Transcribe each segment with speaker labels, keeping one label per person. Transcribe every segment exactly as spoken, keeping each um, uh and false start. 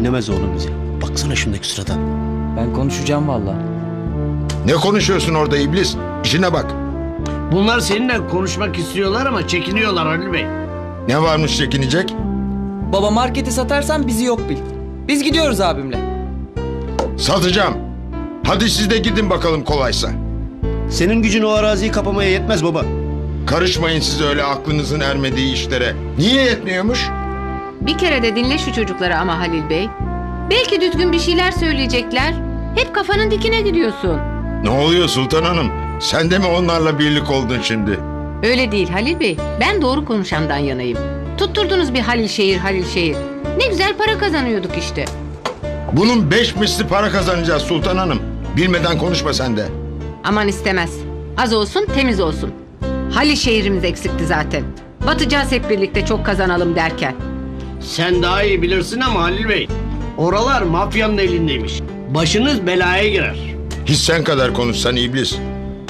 Speaker 1: dinlemez oğlum bizi. Baksana şundaki sırada.
Speaker 2: Ben konuşacağım vallahi.
Speaker 3: Ne konuşuyorsun orada iblis? İşine bak.
Speaker 4: Bunlar seninle konuşmak istiyorlar ama çekiniyorlar Halil Bey.
Speaker 3: Ne varmış çekinecek?
Speaker 2: Baba marketi satarsan bizi yok bil. Biz gidiyoruz abimle.
Speaker 3: Satacağım. Hadi siz de gidin bakalım kolaysa.
Speaker 1: Senin gücün o araziyi kapamaya yetmez baba.
Speaker 3: Karışmayın siz öyle aklınızın ermediği işlere. Niye yetmiyormuş?
Speaker 5: Bir kere de dinle şu çocukları ama Halil Bey. Belki düzgün bir şeyler söyleyecekler. Hep kafanın dikine gidiyorsun.
Speaker 3: Ne oluyor Sultan Hanım? Sen de mi onlarla birlik oldun şimdi?
Speaker 5: Öyle değil Halil Bey. Ben doğru konuşandan yanayım. Tutturdunuz bir Halil şehir Halil şehir. Ne güzel para kazanıyorduk işte.
Speaker 3: Bunun beş misli para kazanacağız Sultan Hanım. Bilmeden konuşma sen de.
Speaker 5: Aman istemez. Az olsun temiz olsun. Halil şehrimiz eksikti zaten. Batacağız hep birlikte çok kazanalım derken.
Speaker 4: Sen daha iyi bilirsin ama Halil Bey. Oralar mafyanın elindeymiş. Başınız belaya girer.
Speaker 3: Hiç sen kadar konuşsan iblis.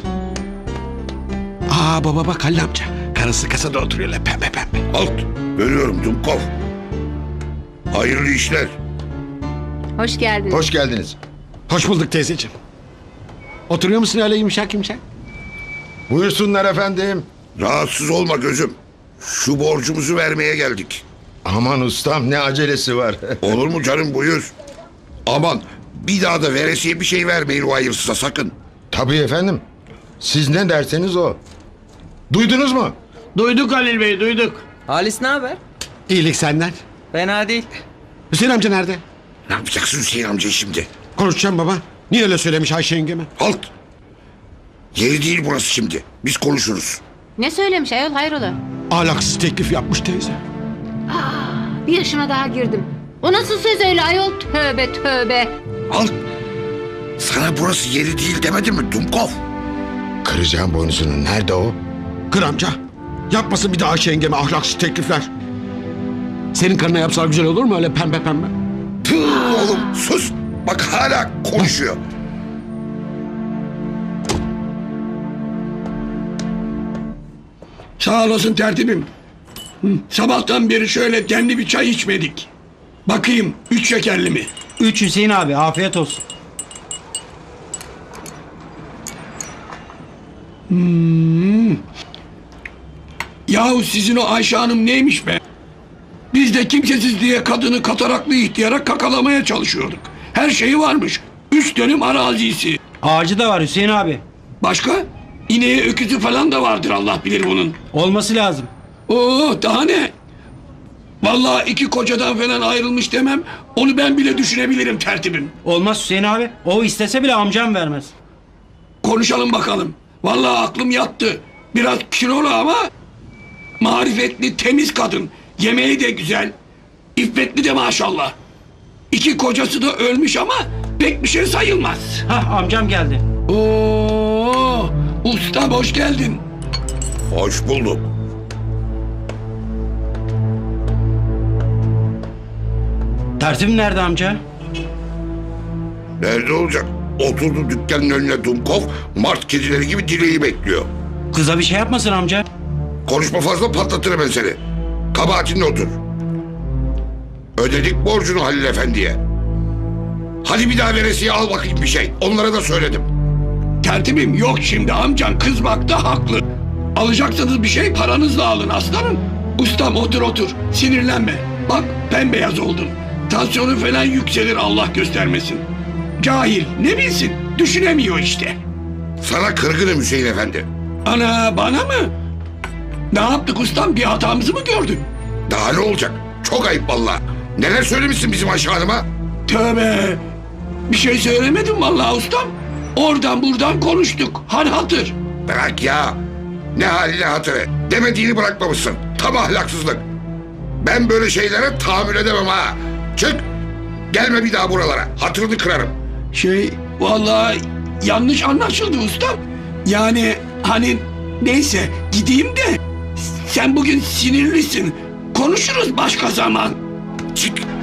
Speaker 6: Aa baba bak Halil amca. Karısı kasada oturuyor öyle pembe pembe.
Speaker 7: Halt! Görüyorum Dumkov. Hayırlı işler.
Speaker 5: Hoş geldiniz.
Speaker 3: Hoş geldiniz.
Speaker 6: Hoş bulduk teyzeciğim. Oturuyor musun öyle yumuşak yumuşak?
Speaker 3: Buyursunlar efendim.
Speaker 7: Rahatsız olma gözüm. Şu borcumuzu vermeye geldik.
Speaker 3: Aman ustam ne acelesi var.
Speaker 7: Olur mu canım, buyur. Aman bir daha da veresiye bir şey vermeyin o hayırsıza sakın.
Speaker 3: Tabii efendim. Siz ne derseniz o. Duydunuz mu?
Speaker 4: Duyduk Halil Bey duyduk.
Speaker 2: Halis ne haber?
Speaker 6: İyilik senden.
Speaker 2: Fena değil.
Speaker 6: Hüseyin amca nerede?
Speaker 7: Ne yapacaksın Hüseyin amca şimdi?
Speaker 6: Konuşacağım baba. Niye öyle söylemiş Ayşe yengeme?
Speaker 7: Halt! Yeri değil burası şimdi. Biz konuşuruz.
Speaker 5: Ne söylemiş ayol hayrola?
Speaker 6: Ahlaksız teklif yapmış teyze.
Speaker 5: Bir yaşıma daha girdim. O nasıl söz öyle ayol? Tövbe tövbe.
Speaker 7: Halt! Sana burası yeri değil demedim mi Dumkov?
Speaker 3: Kıracağım boynuzunu. Nerede o?
Speaker 6: Kır amca. Yapmasın bir daha Ayşe yengeme ahlaksız teklifler. Senin karına yapsalar güzel olur mu öyle pembe pembe?
Speaker 7: Tüh oğlum sus! Bak hala konuşuyor.
Speaker 8: Sağ olasın tertibim. Hı, sabahtan beri şöyle demli bir çay içmedik. Bakayım üç şekerli mi?
Speaker 9: Üç Hüseyin abi afiyet olsun.
Speaker 8: Yahu sizin o Ayşe Hanım neymiş be? Biz de kimsesiz diye kadını kataraklı ihtiyara kakalamaya çalışıyorduk. Her şeyi varmış. Üç dönüm arazisi.
Speaker 9: Ağacı da var Hüseyin abi.
Speaker 8: Başka? İneği öküzü falan da vardır Allah bilir bunun.
Speaker 9: Olması lazım.
Speaker 8: Oo daha ne? Vallahi iki kocadan falan ayrılmış demem. Onu ben bile düşünebilirim tertibim.
Speaker 9: Olmaz Hüseyin abi. O istese bile amcam vermez.
Speaker 8: Konuşalım bakalım. Vallahi aklım yattı. Biraz kilolu ama marifetli, temiz kadın. Yemeği de güzel. İffetli de maşallah. İki kocası da ölmüş ama pek bir şey sayılmaz.
Speaker 9: Hah amcam geldi.
Speaker 8: Oo, usta hoş geldin.
Speaker 7: Hoş bulduk.
Speaker 9: Tertibim nerede amca?
Speaker 7: Nerede olacak? Oturdu dükkanın önüne Dumkov, mart kedileri gibi dileği bekliyor.
Speaker 9: Kıza bir şey yapmasın amca.
Speaker 7: Konuşma fazla, patlatırım ben seni. Kabahatinle otur. Ödedik borcunu Halil Efendi'ye. Hadi bir daha veresiye al bakayım bir şey. Onlara da söyledim.
Speaker 8: Tertibim yok şimdi amcan kızmakta haklı. Alacaksanız bir şey paranızla alın aslanım. Ustam otur otur sinirlenme. Bak bembeyaz oldun. Tansiyonu falan yükselir Allah göstermesin. Cahil ne bilsin düşünemiyor işte.
Speaker 7: Sana kırgınım Hüseyin Efendi.
Speaker 8: Ana bana mı? Ne yaptık ustam bir hatamızı mı gördün?
Speaker 7: Daha ne olacak? Çok ayıp vallahi. Neler söylemişsin bizim Ayşe Hanım'a?
Speaker 8: Tövbe. Bir şey söylemedim vallahi ustam. Oradan buradan konuştuk. Hal hatır.
Speaker 7: Bırak ya. Ne haline hatırı. Demediğini bırakmamışsın. Tam ahlaksızlık. Ben böyle şeylere tahammül edemem ha. Çık. Gelme bir daha buralara. Hatırını kırarım.
Speaker 8: Şey vallahi yanlış anlaşıldı ustam. Yani hani neyse gideyim de sen bugün sinirlisin. Konuşuruz başka zaman.
Speaker 7: Çık.